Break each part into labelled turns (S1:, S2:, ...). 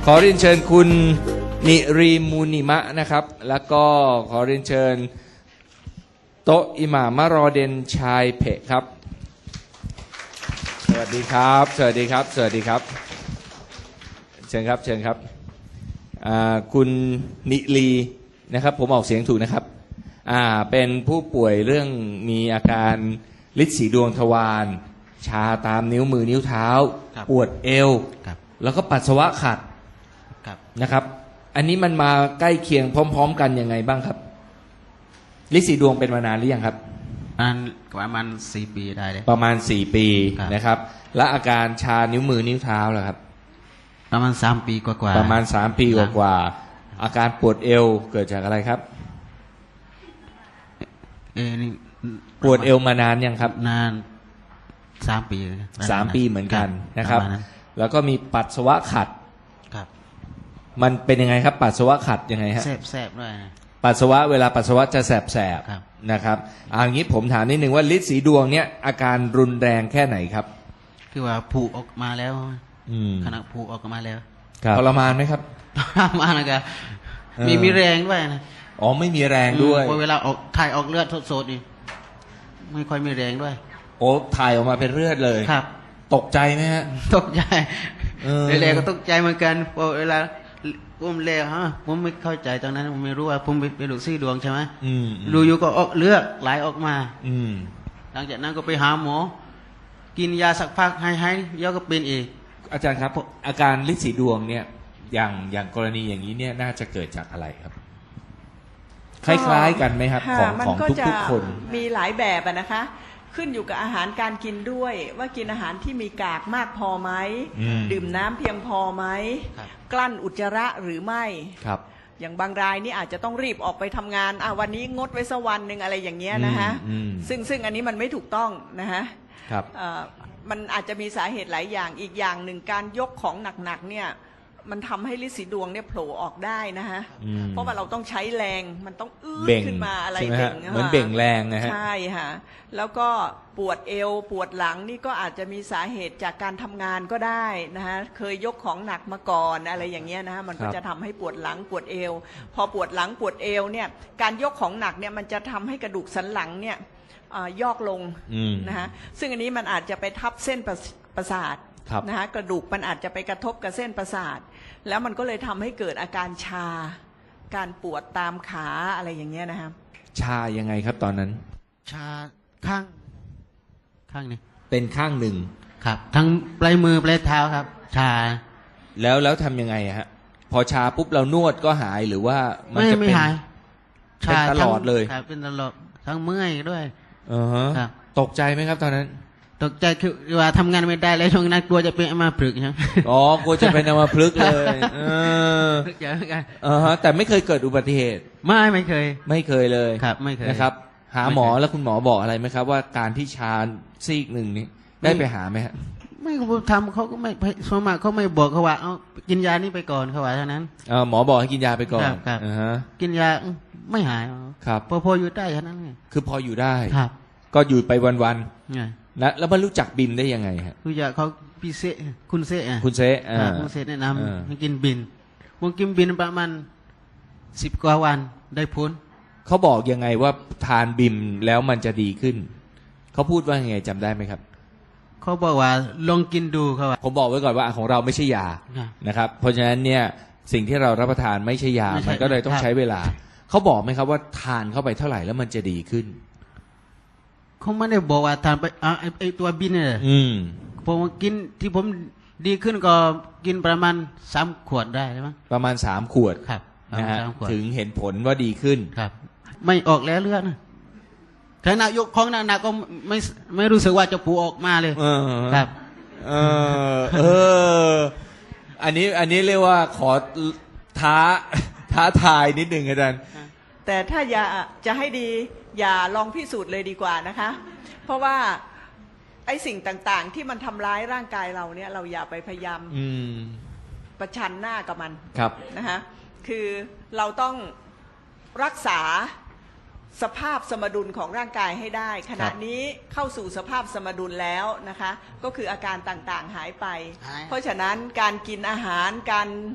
S1: อเรียนเชิญคุณนิรีมูนิมะนะครับแล้วก็ขอเรียนเชิญโตะอิหม่ามะรอเดนชายเพะครับสวัสดีครับสวัสดีครับสวัสดีครับเชิญครับเชิญครับคุณนิรีนะครับผมออกเสียงถูกนะครับเป็นผู้ป่วยเรื่องมีอาการฤทธิ์สีดวงทวารชาตามนิ้วมือนิ้วเท้าปวดเอวแล้วก็ปัสสาวะขัดนะครับอันนี้มันมาใกล้เคียงพร้อมๆกันยังไงบ้างครับฤทธิ์สีดวงเป็นมานานหรือยังครับ
S2: ประมาณ4 ปีได้เลย
S1: ประมาณ4 ปีนะครับและอาการชานิ้วมือนิ้วเท้าล่ะครับ
S2: ประมาณ3 ปีกว่า
S1: ประมาณ3 ปีกว่าอาการปวดเอวเกิดจากอะไรครับ
S2: นี่
S1: ปวดเอวมานานยังครับ
S2: นาน3 ปี
S1: 3 ปีเหมือนกันนะครับแล้วก็มีปัสสาวะขัดมันเป็นยังไงครับปัสสาวะขัดยังไงฮะ
S2: แสบด้วย
S1: ปัสสาวะเวลาปัสสาวะจะแสบๆนะครับอย่างนี้ผมถามนิดนึงว่าฤทธิ์สีดวงเนี่ยอาการรุนแรงแค่ไหนครับ
S2: คือว่าผูออกมาแล้วขณะผูออกมาแล้ว
S1: ทรมานไหมครับ
S2: ทรมานนะครับมีแรงด้วยนะ
S1: อ๋อไม่มีแรงด้วย
S2: เวลาออกถ่ายออกเลือดสดๆนี่ไม่ค่อยมีแรงด้วย
S1: โอ้ถ่ายออกมาเป็นเลือดเลย
S2: ครับ
S1: ตกใจไหมฮะ
S2: ตกใจแรกๆก็ตกใจเหมือนกันพอเวลาผมเละผมไม่เข้าใจตอนนั้นผมไม่รู้ว่าผมเป็นลูกซี่ดวงใช่ไหมดูอยู่ก็ออกเลือดไหลออกมาหลังจากนั้นก็ไปหาหมอกินยาสักพักให้เยอะก็เป็นอีก
S1: อาจารย์ครับอาการฤทธิ์สีดวงเนี่ยอย่างกรณีอย่างนี้เนี่ยน่าจะเกิดจากอะไรครับคล้ายๆกันไหมครับของทุกๆคน
S3: มีหลายแบบนะคะขึ้นอยู่กับอาหารการกินด้วยว่ากินอาหารที่มีกากมากพอไหมดื่มน้ำเพียงพอไหมกลั้นอุจจาระหรือไม่
S1: ครับ
S3: อย่างบางรายนี่อาจจะต้องรีบออกไปทำงานวันนี้งดไว้สักวันหนึ่งอะไรอย่างเงี้ยนะคะซึ่งอันนี้มันไม่ถูกต้องนะคะ
S1: ครับ
S3: มันอาจจะมีสาเหตุหลายอย่างอีกอย่างหนึ่งการยกของหนักๆเนี่ยมันทำให้ฤทธิ์สีดวงเนี่ยโผล่ออกได้นะฮะเพราะว่าเราต้องใช้แรงมันต้องขึ้นมาอะไรเบ่ง
S1: เหมือนเบ่งแรงนะฮะ
S3: ใช่ค่ะแล้วก็ปวดเอวปวดหลังนี่ก็อาจจะมีสาเหตุจากการทำงานก็ได้นะฮะเคยยกของหนักมาก่อนอะไรอย่างเงี้ยนะฮะมันก็จะทำให้ปวดหลังปวดเอวพอปวดหลังปวดเอวเนี่ยการยกของหนักเนี่ยมันจะทำให้กระดูกสันหลังเนี่ยยอกลงนะฮะซึ่งอันนี้มันอาจจะไปทับเส้นประสาทนะฮะกระดูกมันอาจจะไปกระทบกับเส้นประสาทแล้วมันก็เลยทำให้เกิดอาการชาการปวดตามขาอะไรอย่างเงี้ยนะครับ
S1: ชายังไงครับตอนนั้น
S2: ชาข้างนี้
S1: เป็นข้างหนึ่ง
S2: ครับทั้งปลายมือปลายเท้าครับชา
S1: แล้วทำยังไงฮะพอชาปุ๊บเรานวดก็หายหรือว่ามันจะ
S2: ไม่หาย
S1: ชาตลอดเลย
S2: ครับเป็นตลอดทั้งเมื่อยด้วย
S1: ครับตกใจไหมครับตอนนั้น
S2: ตกใจคือว่าทำงานไม่ได้แล้วช่วงนั้นกลัวจะเป็นอัมพฤกษ์ใช่ไหม
S1: กลัวจะเป็นอัมพฤกษ์เลยแต่ไม่เคยเกิดอุบัติเหตุ
S2: ไม่เคย
S1: เลย
S2: ครับไม่เคย
S1: นะครับหาหมอแล้วคุณหมอบอกอะไรไหมครับว่าการที่ชาซีกหนึ่งนี้ได้ไปหาไหมฮะ
S2: ไม่ทำเขาก็ไม่สมมติเขาไม่บอกเขาว่าเอากินยานี่ไปก่อนเขาว่าเท่านั้น
S1: หมอบอกให้กินยาไปก่อน
S2: ครับกินยาไม่หาย
S1: ครับ
S2: พออยู่ได้เท่านั้น
S1: คือพออยู่ได้
S2: ครับ
S1: ก็อยู่ไปวันแล้วมันรู้จักบิมได้ยังไงฮะ
S2: รู้จักเขาพี่เซคุณเซ
S1: คุณเ
S2: ซแนะนำให้กินบินผมกินบินประมาณ10 กว่าวันได้ผล
S1: เขาบอกยังไงว่าทานบิมแล้วมันจะดีขึ้นเขาพูดว่ายังไงจำได้ไหมครับ
S2: เขาบอกว่าลองกินดูเขา
S1: ผมบอกไว้ก่อนว่าของเราไม่ใช่ยานะครับเพราะฉะนั้นเนี่ยสิ่งที่เรารับประทานไม่ใช่ยามันก็เลยต้องใช้เวลาเขาบอกไหมครับว่าทานเข้าไปเท่าไหร่แล้วมันจะดีขึ้น
S2: เขาไม่ได้บอกว่าทานไปไอตัวบินเนี่ยผมกินที่ผมดีขึ้นก็กินประมาณ3 ขวดได้ใช่ไหม
S1: ประมาณ3 ขวด
S2: ครับ
S1: นะฮะถึงเห็นผลว่าดีขึ้น
S2: ครับไม่ออกแล้วเลือดขณะยกของหนักๆก็ไม่รู้สึกว่าจะปูออกมาเลยครับ
S1: อันนี้เรียกว่าขอท้าทายนิดหนึ่งอาจารย์
S3: แต่ถ้าจะให้ดีอย่าลองพิสูจน์เลยดีกว่านะคะเพราะว่าไอ้สิ่งต่างๆที่มันทำร้ายร่างกายเราเนี่ยเราอย่าไปพยายามประชันหน้ากับมันนะคะคือเราต้องรักษาสภาพสมดุลของร่างกายให้ได้ขณะนี้เข้าสู่สภาพสมดุลแล้วนะคะก็คืออาการต่างๆหายไปเพราะฉะนั้นการกินอาหารการ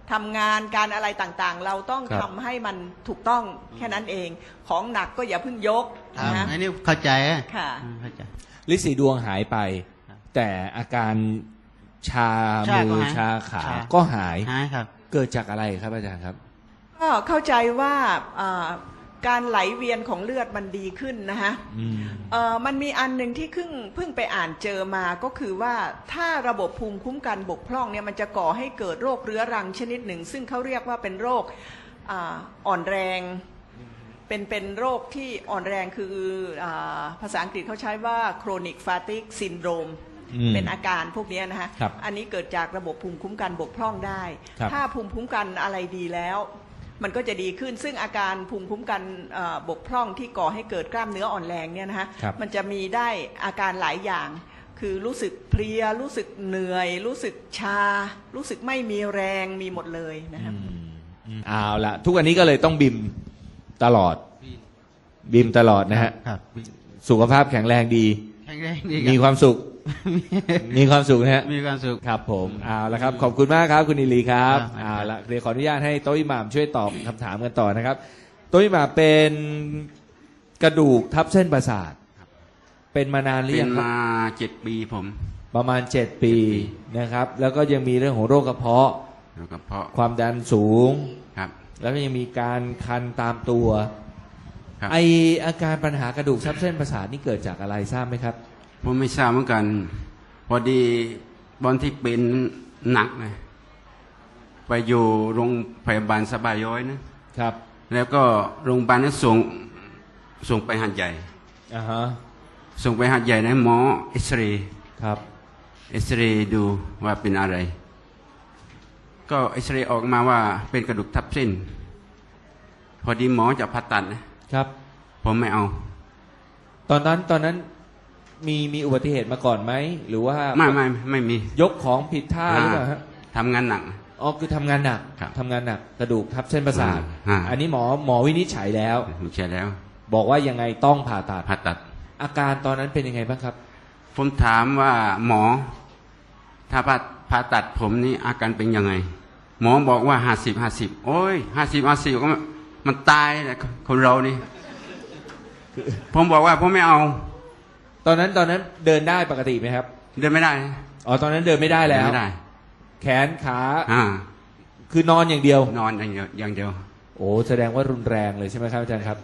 S3: ทำงานการอะไรต่างๆ เราต้อง
S1: ครับ
S3: ทำให้มันถูกต้องแค่นั้นเอง ของหนักก็อย่าเพิ่งยก
S2: ครับ
S3: นะ
S2: อันนี้เข้าใจอะ
S3: ค่ะ
S2: เข้าใจ
S1: ฤทธิ์สีดวงหายไป แต่อาการชา
S2: ชาก็
S1: มือ
S2: หาย
S1: ชาขา
S2: ชา
S1: ก็หาย
S2: หายครับ
S1: เกิดจากอะไรครับอาจารย์ครับ
S3: ก็เข้าใจว่าการไหลเวียนของเลือดมันดีขึ้นนะฮะ
S1: อืม
S3: มันมีอันหนึ่งที่เพิ่งไปอ่านเจอมาก็คือว่าถ้าระบบภูมิคุ้มกันบกพร่องเนี่ยมันจะก่อให้เกิดโรคเรื้อรังชนิดหนึ่ง ซึ่งเขาเรียกว่าเป็นโรคอ่อนแรงเป็นโรคที่อ่อนแรงคือภาษาอังกฤษเขาใช้ว่า chronic fatigue syndrome เป็นอาการพวกนี้นะฮะ
S1: ครับ
S3: อันนี้เกิดจากระบบภูมิคุ้มกันบกพร่องได้
S1: ครับ
S3: ถ้าภูมิคุ้มกันอะไรดีแล้ว มันก็จะดีขึ้นซึ่งอาการภูมิคุ้มกันบกพร่องที่ก่อให้เกิดกล้ามเนื้ออ่อนแรงเนี่ยนะฮะ
S1: ครับ
S3: มันจะมีได้อาการหลายอย่าง คือรู้สึกเพลียรู้สึกเหนื่อย รู้สึกชา รู้สึกไม่มีแรงมีหมดเลยนะครับ
S1: เอาละทุกวันนี้ก็เลยต้องบิมตลอด บิมตลอดนะฮะ
S2: ครับ
S1: สุขภาพแข็งแรงดี
S2: แข็งแรงดี
S1: มีความสุข มีความสุขนะฮะ
S2: มีความสุข
S1: ครับผมเอาละครับ ขอบคุณมากครับคุณอิลีครับ
S2: ครับ
S1: เอาละเดี๋ยวขออนุญาตให้โต๊ะอิหม่ามช่วยตอบคำถามกันต่อนะครับโต๊ะอิหม่ามเป็นกระดูกทับเส้นประสาท เป็นมานานหรือ
S4: เป็
S1: ยั
S4: น
S1: งครับ
S4: มา7 ปีผม
S1: ประมาณ 7 ปีนะครับ แล้วก็ยังมีเรื่องของโรคกระเพาะ
S4: แล้วก็เพาะ
S1: ความดันสูง
S4: ครับ
S1: แล้วก็ยังมีการคันตามตัว
S4: ครับ
S1: ไออาการปัญหากระดูกทับเส้นประสาทนี่เกิดจากอะไรทราบไหมครับ
S4: ผมไม่ทราบเหมือนกัน พอดีตอนที่เป็นหนักนะไปอยู่โรงพยาบาลสบายย้อยนะครับ แล้วก็โรงพยาบาลนั้นส่งไปหัดใหญ่
S1: อ่าฮะ
S4: ส่งไปหัดใหญ่นะหมอเอ็กซเรย์
S1: ครับ
S4: เอ็กซเรย์ดูว่าเป็นอะไร ก็เอ็กซเรย์ออกมาว่าเป็นกระดูกทับเส้น พอดีหมอจะผ่าตัดนะครับ ผมไม่เอา
S1: ตอนนั้นมีอุบัติเหตุมาก่อนไหมหรือว่า
S4: ไม่มี
S1: ยกของผิดท่าหรือเปล่าฮะ
S4: ทำงานหนัก
S1: อ๋อคือทำงานหนัก
S4: ครับ
S1: ทำงานหนักกระดูกทับเส้นประสาท อันนี้หมอวินิจฉัยแล้ว
S4: ไม่ใช่แล้ว
S1: บอกว่ายังไงต้องผ่าตัด
S4: ผ่าตัด
S1: อาการตอนนั้นเป็นยังไงบ้างครับ
S4: ผมถามว่าหมอ ถ้าผ่าตัดผมนี่อาการเป็นยังไง หมอบอกว่า50 โอ้ย50ก็มันตายแหละคนเรานี่ ผมบอกว่าผมไม่เอา
S1: ตอนนั้นเดินได้ปกติไหมครับ
S4: เดินไม่ได้
S1: อ๋อตอนนั้นเดินไม่ได้แล้ว
S4: เดินไม่ได้
S1: แขนขา
S4: อ่า
S1: คือนอนอย่างเดียว
S4: นอนอย่างเดียว
S1: โอ้แสดงว่ารุนแรงเลยใช่ไหมครับอาจารย์ครับ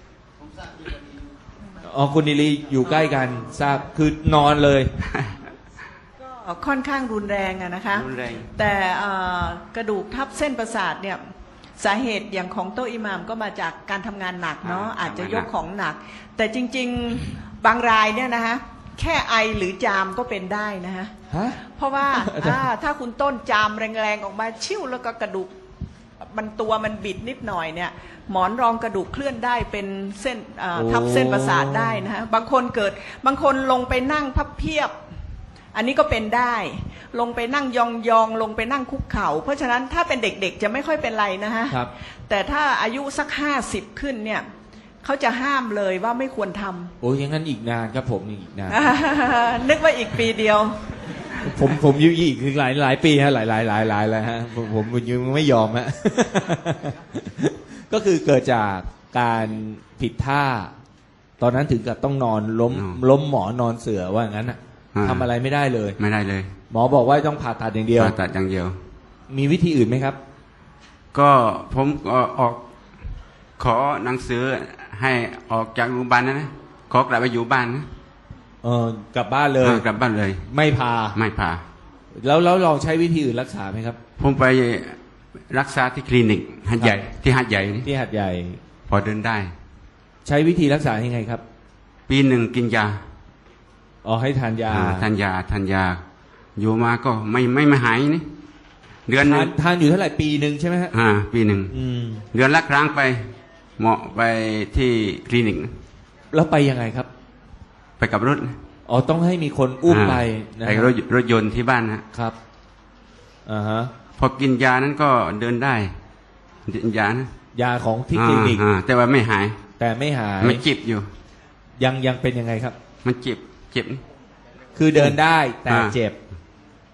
S1: อ๋อคุณนิลีอยู่ใกล้กันทราบคือนอนเลย
S3: ก็ค่อนข้างรุนแรงอะนะคะ
S4: รุนแรง
S3: แต่กระดูกทับเส้นประสาทเนี่ยสาเหตุอย่างของโต๊ะอิหม่ามก็มาจากการทำงานหนักเนาะอาจจะยกของหนัก แต่จริงๆบางรายเนี่ยนะคะแค่ไอหรือจามก็เป็นได้นะคะ
S1: ฮะ
S3: เพราะว่า
S1: อาจารย์
S3: ถ้าคุณต้นจามแรงๆออกมาชิ่วแล้วก็กระดูกมันบิดนิดหน่อยเนี่ยหมอนรองกระดูกเคลื่อนได้เป็นเส้นทับเส้นประสาทได้นะฮะบางคนลงไปนั่งพับเพียบ อันนี้ก็เป็นได้ลงไปนั่งยองๆลงไปนั่งคุกเข่าเพราะฉะนั้นถ้าเป็นเด็กๆจะไม่ค่อยเป็นไรนะฮะ
S1: ครับ
S3: แต่ถ้าอายุสัก50ขึ้นเนี่ยเขาจะห้ามเลยว่าไม่ควรทำ
S1: โอ้ยอย่างนั้นอีกนานครับผมอีกนาน
S3: นึกว่าอีกปีเดียว
S1: ผมอยู่อีกคือหลายปีฮะหลายแล้วฮะผมยังไม่ยอมฮะ ก็คือเกิดจากการผิดท่า ตอนนั้นถึงกับต้องนอนล้มหมอนอนเสื่อว่างั้นอะทำอะไรไม่ได้เลย
S4: ไม่ได้เลย
S1: หมอบอกว่าต้องผ่าตัดอย่างเดียว
S4: ผ่าตัดอย่างเดียว
S1: มีวิธีอื่นไหมครับ
S4: ก็ผมก็ขอหนังสือให้ออกจากโรงพยาบาลนะขอกลับไปอยู่บ้านนะ
S1: กลับบ้านเลย
S4: กลับบ้านเลย
S1: ไม่พา
S4: ไม่ผ่า
S1: แล้วลองใช้วิธีอื่นรักษาไหมครับ
S4: ผมไปรักษาที่คลินิกหัดใหญ่ที่หัดใหญ่นี่
S1: ที่หัดใหญ่
S4: พอเดินได้
S1: ใช้วิธีรักษายังไงครับ
S4: ปีหนึ่งกินยา
S1: อ๋อให้ทานยา
S4: ทานยา อยู่มาก็ไม่หายนี่เดือนหนึง
S1: ทานอยู่เท่าไหร่ปีหนึ่งใช่ไหมฮะ
S4: ปีหนึ่ง
S1: อืม
S4: เดือนละครั้งไปเหมาะไปที่คลินิก
S1: แล้วไปยังไงครับ
S4: ไปกับรถ
S1: อ๋อต้องให้มีคนอุ้มไปนะ
S4: ไปรถยนต์ที่บ้านนะครับ
S1: อ่าฮะ
S4: พอกินยานั้นก็เดินได้กินยานะ
S1: ยาของที่คลินิก
S4: แต่ว่าไม่หาย
S1: แต่ไม่หาย
S4: มันเจ็บอยู่
S1: ยังเป็นยังไงครับ
S4: มันเจ็บนี่
S1: คือเดินได้แต่
S4: อ่า
S1: เจ็บ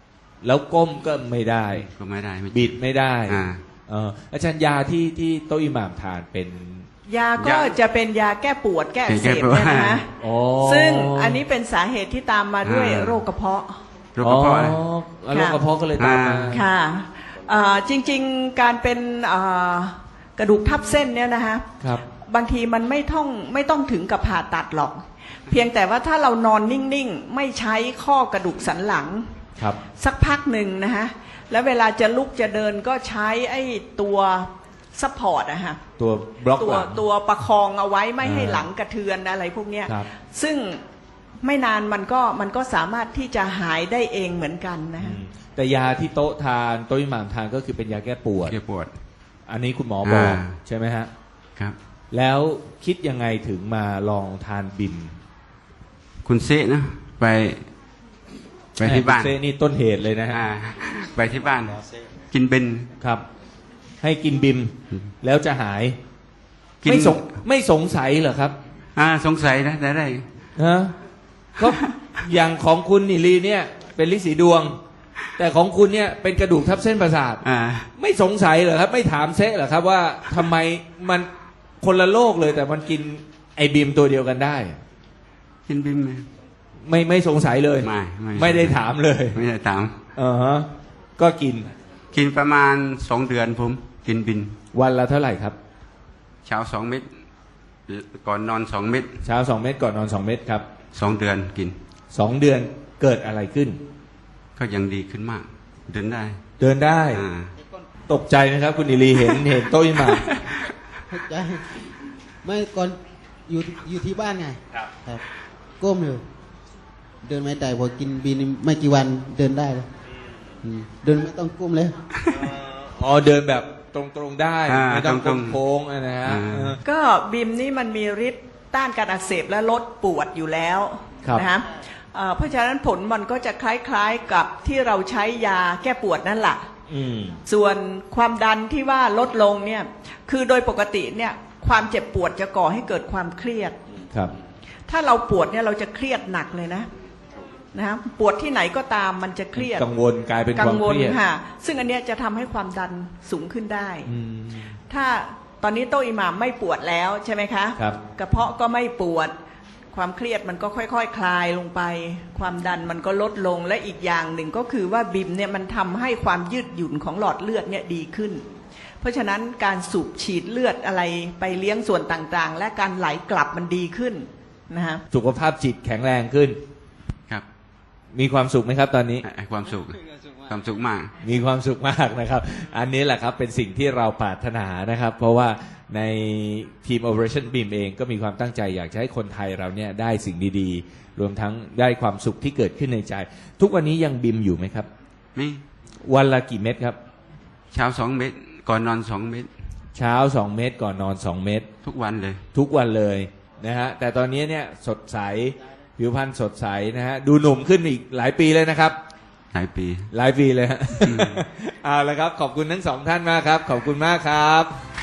S1: แล้วก้มก็ไม่ได้
S4: ก็ไม่ได้ไม่
S1: บิดไม่ได้
S4: อ่า
S1: อาจารย์ยาที่โต๊ะอิหม่ามทานเป็น
S3: ยาก็จะเป็นยาแก้ปวดแก้อักเสบเนี่ยนะ
S1: อ๋อ
S3: ซึ่งอันนี้เป็นสาเหตุที่ตามมาด้วยโรคกระเพาะ
S4: โรคกระเพาะนะ
S1: โรคกระเพาะก็เลยตามมา
S3: ค่ะจริงๆการเป็นกระดูกทับเส้นเนี่ยนะคะ
S1: ครับ
S3: บางทีมันไม่ต้องถึงกับผ่าตัดหรอก เพียงแต่ว่าถ้าเรานอนนิ่งๆไม่ใช้ข้อกระดูกสันหลัง
S1: ครับ
S3: สักพักหนึ่งนะฮะแล้วเวลาจะลุกจะเดินก็ใช้ไอ้ตัวซัพพอร์ตอะฮะ
S1: ตัวบล็อกหลัง
S3: ตัวประคองเอาไว้ไม่ให้หลังกระเทือนอะไรพวกเนี้ย
S1: ครับ
S3: ซึ่งไม่นานมันก็สามารถที่จะหายได้เองเหมือนกันนะฮะ
S1: แต่ยาที่โต๊ะทานโต๊ะอิหม่ามทานก็คือเป็นยาแก้ปวด
S4: แก้ปวด
S1: อันนี้คุณหมอบอก
S4: อ่า
S1: ใช่ไหมฮะ
S4: ครับ
S1: แล้วคิดยังไงถึงมาลองทานบิม
S4: คุณเซะนะไปที่บ้าน
S1: เซนี่ต้นเหตุเลยนะฮะ
S4: ไปที่บ้าน กินเบน
S1: ครับ ให้กินบิมแล้วจะหาย
S4: กิน
S1: ไม่สงสัยเหรอครับ
S4: สงสัยนะได้
S1: ฮะก็อย่างของคุณนิลีเนี่ย เป็นลิสีดวง แต่ของคุณเนี่ยเป็นกระดูกทับเส้นประสาท ไม่สงสัยเหรอครับ ไม่ถามเซะเหรอครับว่าทำไมมันคนละโลกเลย แต่มันกินไอบิมตัวเดียวกันได้
S4: กินบิม
S1: ไม่สงสัยเลย ไม่ได้ถามเลย
S4: ไม่ได้ถาม
S1: ฮะก็กิน
S4: กินประมาณ2 เดือนผมกินบิน
S1: วันละเท่าไหร่ครับ
S4: เช้า2 เม็ดก่อนนอน2 เม็ด
S1: เช้า2 เม็ดก่อนนอน2 เม็ดครับ
S4: 2 เดือนกิน
S1: 2 เดือนเกิดอะไรขึ้น
S4: ก็ยังดีขึ้นมาก เดินได้
S1: เดินได้ ตกใจไหมครับ คุณอิลีเห็นโต๊ะอิหม่าม
S2: เข้าใจไม่ก่อนอยู่ที่บ้านไง ครับก้มอยู่เดินไม่ได้พอกินบีนไม่กี่วันเดินได้แล้วเดินไม่ต้องก้มเลย
S1: อ๋อเดินแบบตรงๆได้ไม่ต้อง
S4: ตรงๆ
S1: โค้งๆนะฮะ
S3: ก็บิมนี่มันมีฤทธิ์ต้านการอักเสบและลดปวดอยู่แล้ว
S1: ครับ
S3: นะฮะเพราะฉะนั้นผลมันก็จะคล้ายๆกับที่เราใช้ยาแก้ปวดนั่นแหละ ส่วนความดันที่ว่าลดลงเนี่ยคือโดยปกติเนี่ยความเจ็บปวดจะก่อให้เกิดความเครียด
S1: ครับ
S3: ถ้าเราปวดเนี่ยเราจะเครียดหนักเลยนะปวดที่ไหนก็ตามมันจะเครียด
S1: กังวลกลายเป็นความ
S3: กังวล
S1: เครียด
S3: ค่ะซึ่งอันเนี้ยจะทำให้ความดันสูงขึ้นได้ ถ้าตอนนี้โต๊ะอิหม่ามไม่ปวดแล้วใช่ไหมคะ
S1: ครับ
S3: กระเพาะก็ไม่ปวด ความเครียดมันก็ค่อยๆ คลายลงไป ความดันมันก็ลดลงและอีกอย่างหนึ่งก็คือว่าบิมเนี่ยมันทำให้ความยืดหยุ่นของหลอดเลือดเนี่ยดีขึ้น เพราะฉะนั้นการสูบฉีดเลือดอะไรไปเลี้ยงส่วนต่างๆ และการไหลกลับมันดีขึ้นนะฮะ
S1: สุขภาพจิตแข็งแรงขึ้น
S4: ครับ
S1: มีความสุขไหมครับตอนนี้
S4: ความสุขมาก
S1: มีความสุขมากนะครับ อันนี้แหละครับเป็นสิ่งที่เราปรารถนานะครับ เพราะว่าในทีม Operation BIM เองก็มีความตั้งใจอยากจะให้คนไทยเราเนี่ยได้สิ่งดีๆ รวมทั้งได้ความสุขที่เกิดขึ้นในใจ ทุกวันนี้ยังบิมอยู่ไหมครับ
S4: มี
S1: วันละกี่เม็ดครับ
S4: เช้า2 เม็ดก่อนนอน2 เม็ด
S1: เช้า2 เม็ดก่อนนอน2 เม็ด
S4: ทุกวันเลย
S1: ทุกวันเลยนะฮะแต่ตอนนี้เนี่ยสดใสผิวพรรณสดใสนะฮะดูหนุ่มขึ้นอีกหลายปีเลยนะครับ
S4: หลายปี
S1: หลายปีเลยฮะ เอาละครับขอบคุณทั้งสองท่านมากครับ ขอบคุณมากครับ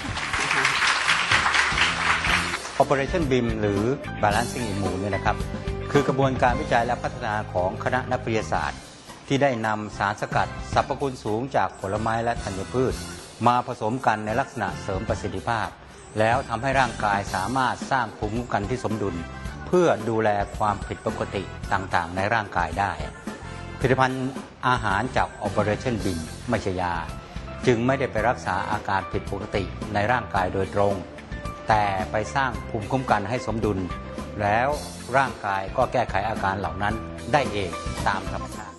S5: Operation BIM หรือ Balancing Immune เนี่ยนะครับคือกระบวนการวิจัยและพัฒนาของคณะนักวิทยาศาสตร์ ที่ได้นำสารสกัดสรรพคุณสูงจากผลไม้และธัญพืช มาผสมกันในลักษณะเสริมประสิทธิภาพ แล้วทำให้ร่างกายสามารถสร้างภูมิคุ้มกันที่สมดุล เพื่อดูแลความผิดปกติต่างๆในร่างกายได้ผลิตภัณฑ์อาหารจาก Operation BIM ไม่ใช่ยาจึงไม่ได้ไปรักษาอาการผิดปกติในร่างกายโดยตรงแต่ไปสร้างภูมิคุ้มกันให้สมดุลแล้วร่างกายก็แก้ไขอาการเหล่านั้นได้เองตามธรรมชาติ